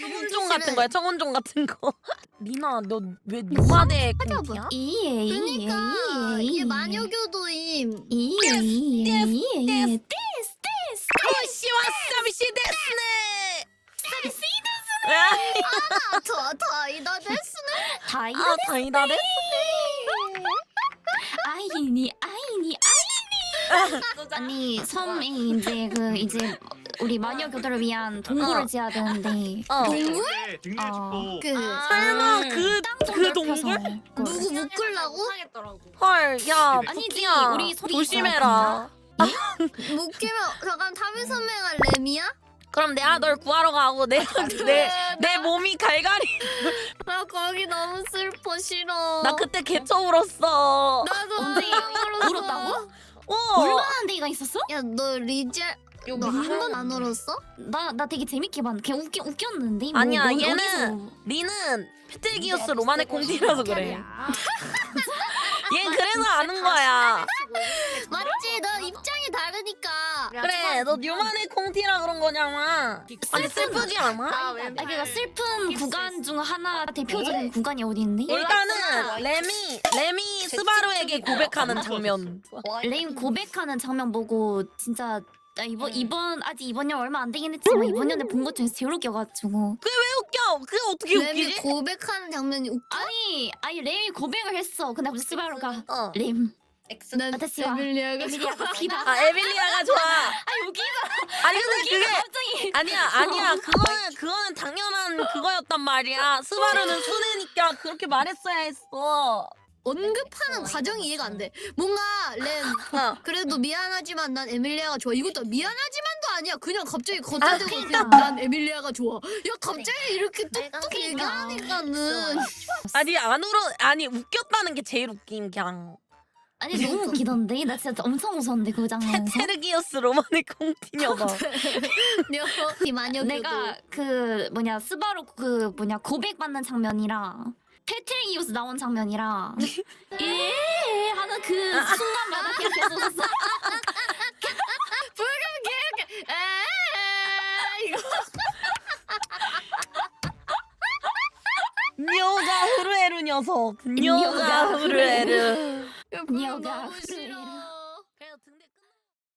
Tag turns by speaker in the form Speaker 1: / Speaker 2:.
Speaker 1: 청운종 같은 거야. 청운종 같은 거. 리나 너 왜 노마대 꽁티야?
Speaker 2: 그러니까 얘 마녀교도임.
Speaker 1: 오시 와사비시 데스네.
Speaker 2: 다이다 데스네.
Speaker 1: 아 다이다 데스.
Speaker 3: 아이니. 아니 섬에 이제 우리 마녀 교도를 위한 동굴을 지어야 되는데.
Speaker 2: 동굴?
Speaker 4: 등려집도
Speaker 1: 설마 그 동굴?
Speaker 2: 누구 묶으려고?
Speaker 1: 헐, 야,
Speaker 3: 아니지,
Speaker 1: 부키야.
Speaker 3: 우리 소리
Speaker 1: 조심해라.
Speaker 2: 묶이면 잠깐 타미 선배가 램이야?
Speaker 1: 그럼 내가 널 구하러 가고 내 몸이 갈갈이.
Speaker 2: 나 거기 너무 슬퍼 싫어.
Speaker 1: 나 그때 개처 울었어.
Speaker 2: 나도
Speaker 3: 언제
Speaker 2: 울었어.
Speaker 3: 울었다고?
Speaker 1: 어.
Speaker 3: 얼마나 데이가 있었어?
Speaker 2: 야너 리젤 너 한 번 안 울었어?
Speaker 3: 나 되게 재밌게 봤는데 걔 웃겼는데.
Speaker 1: 아니야,
Speaker 3: 넌
Speaker 1: 얘는
Speaker 3: 어디서?
Speaker 1: 리는 페텔기우스 로만의 공티라서 그래. 얘 그래서 아는 거야.
Speaker 2: 맞지? 너 입장이 다르니까.
Speaker 1: 그래, 너 뉴만의 공티라 그런 거잖아. 아니 슬프지 않아?
Speaker 3: 그러니까 슬픈 구간 중 하나 대표적인 구간이 어디 있니?
Speaker 1: 일단은 레미 스바루에게 고백하는 장면.
Speaker 3: 레임 고백하는 장면 보고 진짜 나 이번 년 얼마 안 되긴 했지만 이번 년에 본 것 중에서 제일 웃겨가지고.
Speaker 1: 그게 왜 웃겨? 그게 어떻게
Speaker 2: 램이
Speaker 1: 웃기지?
Speaker 2: 고백하는 장면이 웃겨?
Speaker 3: 아니 레임이 고백을 했어. 근데 갑자기 스바루가 레임
Speaker 2: 난
Speaker 3: 아타시와
Speaker 2: 에밀리아가
Speaker 3: 에밀리아가 기다.
Speaker 1: 아 에밀리아가 좋아.
Speaker 3: 아니 웃기다.
Speaker 1: 아니 근데 그게
Speaker 3: 갑자기
Speaker 1: 아니야 그거는 당연한 그거였단 말이야. 스바루는 순애니까 그렇게 말했어야 했어.
Speaker 2: 언급하는 과정이 이해가 안 돼. 뭔가 램 그래도 미안하지만 난 에밀리아가 좋아. 이것도 미안하지만도 아니야. 그냥 갑자기 겉대고 그냥 난 에밀리아가 좋아. 야 갑자기 이렇게 뚝뚝 얘기하니까는
Speaker 1: 아니 웃겼다는 게 제일 웃긴 그냥.
Speaker 3: 아니 너무 웃기던데. 나 진짜 엄청 웃었는데 그 장면에서.
Speaker 1: 테르기우스 로만의 콩티녀가.
Speaker 2: 이 마녀
Speaker 3: 내가 스바루 고백받는 장면이랑 페트리기우스 나온 장면이랑 예 하는 그 순간마다 그냥 계속 웃었어.
Speaker 1: 뇨가 후르에르 녀석. 뇨가 후르에르.
Speaker 3: 녀가